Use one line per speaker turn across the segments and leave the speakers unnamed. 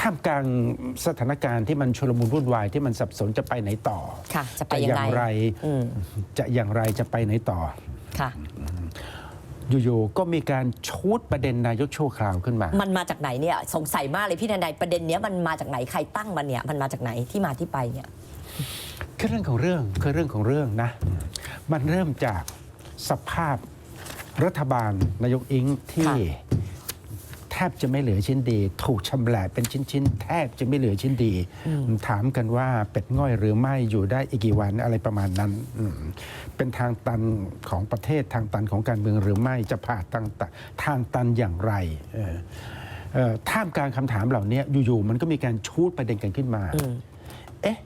ท่ามกลางสถานการณ์ที่มันชุลมุนวุ่นวายที่มันสับสนจะไปไหนต่อ
ค่ะจะไปยังไง
จะอย่างไรจะไปไหนต่อ
ค่ะ
อยู่ๆก็มีการชูดประเด็นนายกชั่วคราวขึ้นมา
มันมาจากไหนเนี่ยสงสัยมากเลยพี่ทนายประเด็นเนี้ยมันมาจากไหนใครตั้งมันเนี่ยมันมาจากไหนที่มาที่ไปเนี่ย
คือเรื่องของเรื่องนะมันเริ่มจากสภาพรัฐบาลนายกอิงที่แทบจะไม่เหลือชิ้นดีถูกชำแหละเป็นชิ้นๆแทบจะไม่เหลือชิ้นดีถามกันว่าเป็ดง่อยหรือไม่อยู่ได้อีกกี่วันอะไรประมาณนั้นเป็นทางตันของประเทศทางตันของการเมืองหรือไม่จะผ่าทางตันอย่างไรท่ามกลางคำถามเหล่านี้อยู่ๆมันก็มีการชูดประเด็นกันขึ้นมาเอ๊ะ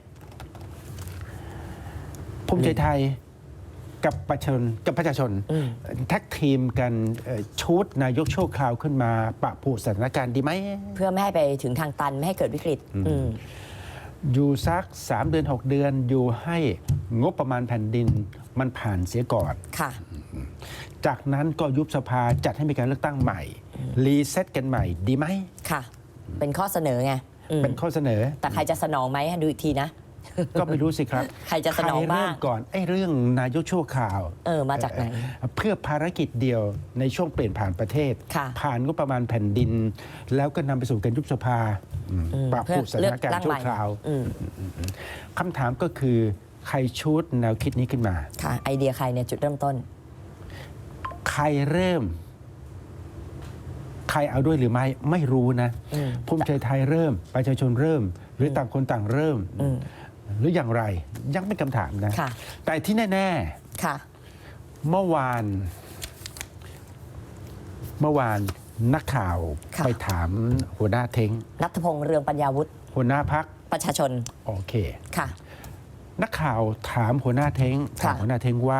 ภูมิใจไทยกับประชาชนแท็กทีมกันชูดนายกชั่วคราวขึ้นมาปะผูสถานการณ์ดีไหม
เพื่อไม่ให้ไปถึงทางตันไม่ให้เกิดวิกฤต
อยู่สัก3 เดือน 6 เดือนอยู่ให้งบประมาณแผ่นดินมันผ่านเสียก่อน
ค่ะ
จากนั้นก็ยุบสภาจัดให้มีการเลือกตั้งใหม่รีเซ็ตกันใหม่ดีไหม
ค่ะเป็นข้อเสนอไง
เป็นข้อเสนอ
แต่ใครจะสนองไหมดูอีกทีนะ
ก็ไม่รู้สิครับ
ใครจะสนองบ้าง
ก่อนเรื่องนายกชั่วคราว
มาจากไหน
เพื่อภารกิจเดียวในช่วงเปลี่ยนผ่านประเทศผ่านงบประมาณแผ่นดินแล้วก็นำไปสู่การยุบสภาปรับปรุงสถานการณ์ชั่วคราวคำถามก็คือใครชูดแนวคิดนี้ขึ้นมา
ค่ะไอเดียใครเนี่ยจุดเริ่มต้น
ใครเริ่มใครเอาด้วยหรือไม่รู้นะภูมิใจไทยเริ่มประชาชนเริ่มหรือต่างคนต่างเริ่มหรืออย่างไรยังเป็นคำถามนะแต่ที่แน่ๆเมื่อวานนักข่าวไปถามหัวหน้าเท้ง
ณัฐพงษ์เรืองปัญญาวุฒิ
หัวหน้าพรรค
ประชาชน
โอเคนักข่าวถามหัวหน้าเท้งว่า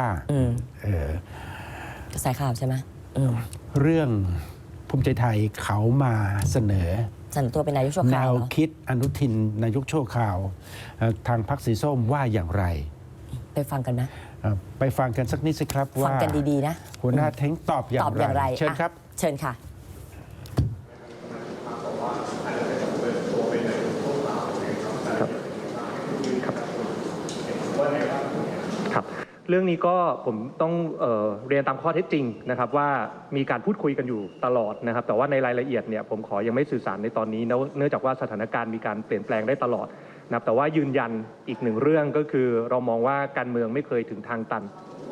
ใส่ข่าวใช่ไหม
เรื่องภูมิใจไทยเขามาเสนอ
ตัวเป็นนายกชั่วคราว
แนวคิดอนุทินนายกชั่วคราวทางพรรคสีส้มว่าอย่างไร
ไปฟังกันไหม
ไปฟังกันสักนิดสิครับว่า
ฟังกันดีๆนะ
หัวหน้าเท้งตอบอย่างไรเชิญครับ
เชิญค่ะ
เรื่องนี้ก็ผมต้องเรียนตามข้อเท็จจริงนะครับว่ามีการพูดคุยกันอยู่ตลอดนะครับแต่ว่าในรายละเอียดเนี่ยผมขอยังไม่สื่อสารในตอนนี้เนื่องจากว่าสถานการณ์มีการเปลี่ยนแปลงได้ตลอดนะครับแต่ว่ายืนยันอีกหนึ่งเรื่องก็คือเรามองว่าการเมืองไม่เคยถึงทางตัน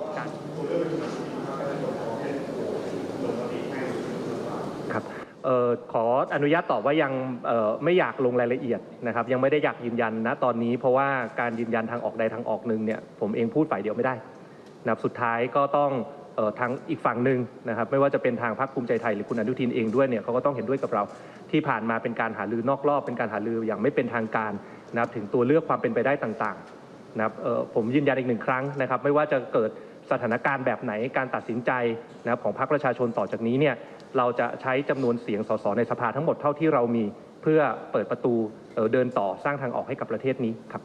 ครับขออนุญาตตอบว่ายังไม่อยากลงรายละเอียดนะครับยังไม่ได้อยากยืนยันนะตอนนี้เพราะว่าการยืนยันทางออกใดทางออกหนึ่งเนี่ยผมเองพูดฝ่ายเดียวไม่ได้นะครับสุดท้ายก็ต้องทางอีกฝั่งหนึ่งนะครับไม่ว่าจะเป็นทางพรรคภูมิใจไทยหรือคุณอนุทินเองด้วยเนี่ยเขาก็ต้องเห็นด้วยกับเราที่ผ่านมาเป็นการหารือนอกรอบเป็นการหารืออย่างไม่เป็นทางการนะครับถึงตัวเลือกความเป็นไปได้ต่างๆนะครับผมยืนยันอีกหนึ่งครั้งนะครับไม่ว่าจะเกิดสถานการณ์แบบไหนการตัดสินใจนะครับของพรรคประชาชนต่อจากนี้เนี่ยเราจะใช้จำนวนเสียงสสในสภาทั้งหมดเท่าที่เรามีเพื่อเปิดประตูเดินต่อสร้างทางออกให้กับประเทศนี้ครับ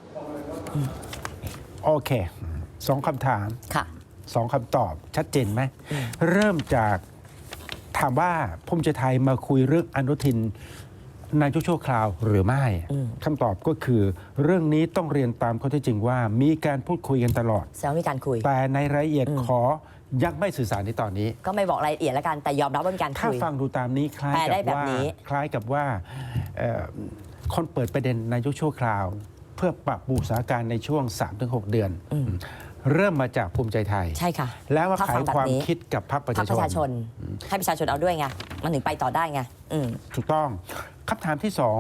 โอเค2 คำถาม2 คำตอบชัดเจนไหมเริ่มจากถามว่าภูมิใจไทยมาคุยเรื่องอนุทินนายกชั่วคราวหรือไม่คำตอบก็คือเรื่องนี้ต้องเรียนตามข้อเท็จจริงว่ามีการพูดคุยกันตลอด
มีการคุย
แต่ในรายละเอียดขอยังไม่สื่อสารในตอนนี้
ก็ไม่บอกรายละเอียดแล้วกันแต่ยอมรับว่ามีการคุย
ถ้าฟังดูตามนี้คล้ายกับว่าคนเปิดประเด็นนายกชั่วคราวเพื่อปรับปรุงสถานการณ์ในช่วง 3-6 เดือนเริ่มมาจากภูมิใจไทย
ใช่ค่ะ
แล้วมาขายความคิดกับพรรคประชาชน
ให้ประชาชนเอาด้วยไงมันถึงไปต่อได้ไง
ถูกต้องคำถามที่2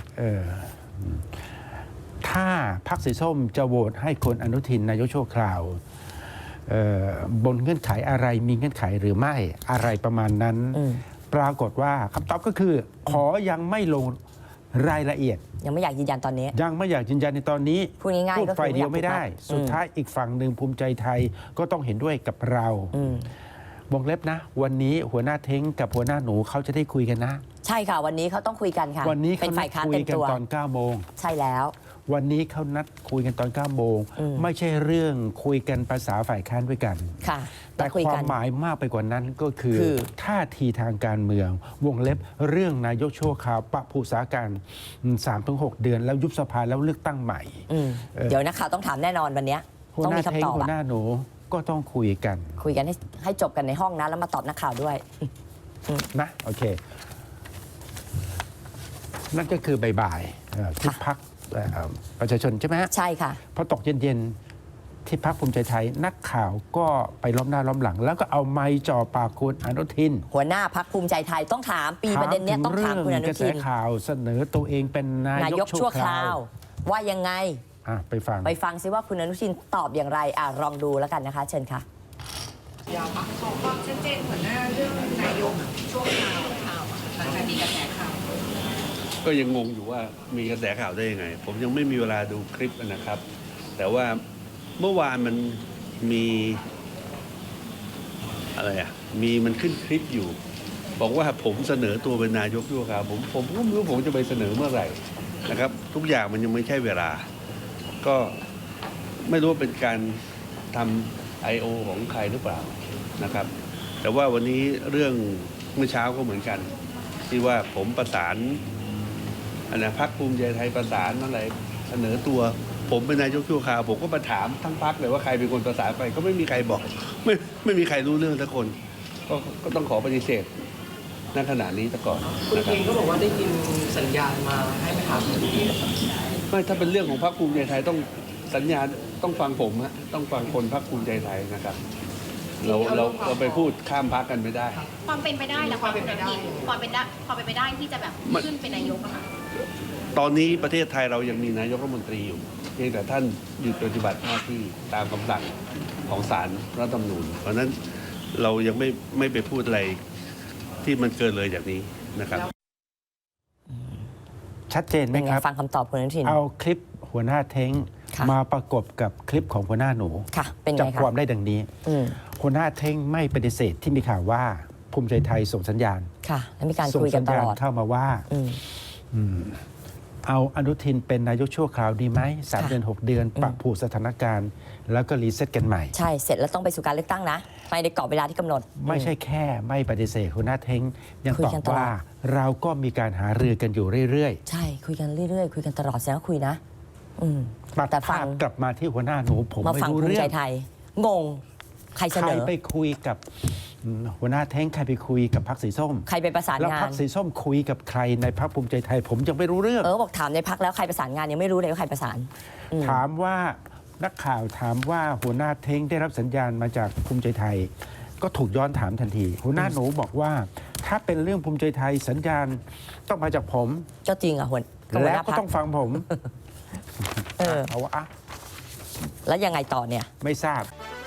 ถ้าพรรคสีส้มจะโหวตให้คนอนุทินนายกชั่วคราวบนเงื่อนไขอะไรมีเงื่อนไขหรือไม่อะไรประมาณนั้นปรากฏว่าคำตอบก็คือขอยังไม่ลงรายละเอียด
ยังไม่อยากยืนยันตอนนี้
ยังไม่อยากยืนยันในตอนนี้
พูดง่ายๆก็
ฝ่ายเดียวไม่ได้สุดท้ายอีกฝั่งหนึ่งภูมิใจไทยก็ต้องเห็นด้วยกับเราวงเล็บนะวันนี้หัวหน้าเท้งกับหัวหน้าหนูเขาจะได้คุยกันนะ
ใช่ค่ะวันนี้เขาต้องคุยกันค่ะ
วันนี้เขานัดคุยกันตอน 9 โมง
ใช่แล้ว
วันนี้เขานัดคุยกันตอน 9 โมงไม่ใช่เรื่องคุยกันภาษาฝ่ายค้านด้วยกันแต่
คุย
ควา
กั
ม
น
หมายมากไปกว่านั้นก็คือ
คือ
ท่าทีทางการเมือง วงเล็บเรื่องนายกชั่วคราวปะภูสาการ 3-6 เดือน แล้วยุบสภาแล้วเลือกตั้งใหม่
อืม
เออ
เดี๋ยวนักข่าวต้องถามแน่นอนวันเนี้ย
หัว
ต้อง
หน้า
มี
เท้ง
คำตอบ
หัว
อะ
หน้าหนูก็ต้องคุยกัน
คุยกันให้จบกันในห้องนะแล้วมาตอบนักข่าวด้วย
นะโอเค นั่นก็คือบ่ายๆที่พักประชาชนใช่ไหมฮะ
ใช่ค่ะ
พอตกเย็นๆที่พักภูมิใจไทย นักข่าวก็ไปล้อมหน้าล้อมหลัง แล้วก็เอาไม้จ่อปากคุณอนุทิน
หัวหน้าพักภูมิใจไทยต้องถามปีประเด็นเนี้ยต้องถามคุณอนุ
กระแส
ทิน
ข่าวเสนอตัวเองเป็นนาน
าย
ย
ก
ก
ชั่
ชั่
ว
ว
ค
ค
ราร
าว ว
ว่ายังไง
ไปฟัง
ไปฟังซิว่าคุณอนุทินตอบอย่างไรลองดูแล้วกันนะคะ เชิญค่ะ
อยากขอความชัดเจนหัวหน้าเรื่องนายกช่วงข่าวหลังจากมีกระแสข่าว
ก็ยังงงอยู่ว่ามีกระแสข่าวได้ยังไง ผมยังไม่มีเวลาดูคลิปนะครับ แต่ว่าเมื่อวานมันมีอะไรมันขึ้นคลิปอยู่ บอกว่าผมเสนอตัวเป็นนายกชั่วคราวผมก็ไม่รู้ผมจะไปเสนอเมื่อไหร่นะครับ ทุกอย่างมันยังไม่ใช่เวลา ก็ไม่รู้ว่าเป็นการทำ I.O. ของใครหรือเปล่านะครับ แต่ว่าวันนี้เรื่องเมื่อเช้าก็เหมือนกัน ที่ว่าผมประสานพรรคภูมิใจไทยประสานอะไรเสนอตัว ผมเป็นนายกชั่วคราวผมก็มาถามทั้งพรรคเลยว่าใครเป็นคนประสานไป ก็ไม่มีใครบอก ไม่มีใครรู้เรื่องสักคน ก็ต้องขอปฏิเสธณขณะนี้ซะก่อน
คุณ
นะครับ
เองก็บอกว่าได้ยินสัญญาณมาให้ไปถามคุณที่
ไม่ถ้าเป็นเรื่องของพรรคภูมิใจไทยต้องสัญญาณต้องฟังผมฮะต้องฟังคนพรรคภูมิใจไทยนะครับ เราไปพูดข้ามพรรคกันไม่ได้
ความเป็นไปได้และความเป็นไปได้ความเป็นไปได้ที่จะแบบขึ้นเป็นนายกอะค่ะ
ตอนนี้ประเทศไทยเรายังมีนายกรัฐมนตรีอยู่เพียงแต่ท่านหยุดปฏิบัติหน้าที่ตามคำสั่งของศาลรัฐธรรมนูญเพราะฉะนั้นเรายังไม่ไปพูดอะไรที่มันเกินเลยจากนี้นะครับ
ชัดเจนไหม
เป็นไง
ครับ
ฟังคำตอบคุณอนุทิน
เอาคลิปหัวหน้าเท้ง
ค่ะ
มาประกบกับคลิปของหัวหน้าหนู
ค่ะ เป็นไง
จับ
คะ
ความได้ดังนี้
อืม
หัวหน้าเท้งไม่ปฏิเสธที่มีข่าวว่าภูมิใจไทยส่งสัญญาณ
ค่ะ แล้วมีการ
ส่ง
คุยกั
สั
น
ญ
ต
ญาณ
ลอด
เข้ามาว่า
อืม
อืมเอาอนุทินเป็นนายกชั่วคราวดีไหม3
ค่ะ
เดือน 6 เดือน ปรับผูกสถานการณ์ แล้วก็รีเซ็ตกันใหม่
ใช่ เสร็จแล้วต้องไปสู่การเลือกตั้งนะไปในกรอบเวลาที่กำหนด
ไม่ใช่แค่ไม่ปฏิเสธหัวหน้าเท้งยัง
คุย
ตอ
กัน
บ
ตลอด
ว่าเราก็มีการหารือกันอยู่เรื่อย
ใช่ คุยกันเรื่อยๆ คุยกันตลอดแสดงว่าคุยนะ อืม
ๆตัด
แต่ฟั
ภาง พกลับมาที่หัวหน้าหนูผม
มา
ไม่
ฟัง
รู้
ภูมิ
เรื่
ใจ
อง
ไทย งง ใครเส
ใคร
นอ
ไปคุยกับหัวหน้าเท้งใครไปคุยกับพรรคสีส้ม
ใครไปประสาน
แล้ว
งา
พรร
น
คสีส้มคุยกับใครในพรรคภูมิใจไทย ผมยังไม่รู้เรื่อง
บอกถามในพักแล้วใครประสานงานยังไม่รู้เลยว่าใครประสานอืม
ถามว่านักข่าวถามว่าหัวหน้าเท้งได้รับสัญญาณมาจากภูมิใจไทย ก็ถูกย้อนถามทันที หัวหน้าหนูบอกว่า ถ้าเป็นเรื่องภูมิใจไทยสัญญาณต้องมาจากผม
ก็จริงอ่ะหัวห
แล้ว
น้า
ก็
พัก
ต้องฟังผม
เออ
เอาวะอ่ะ
แล้วยังไงต่อเนี่ย
ไม่ทราบ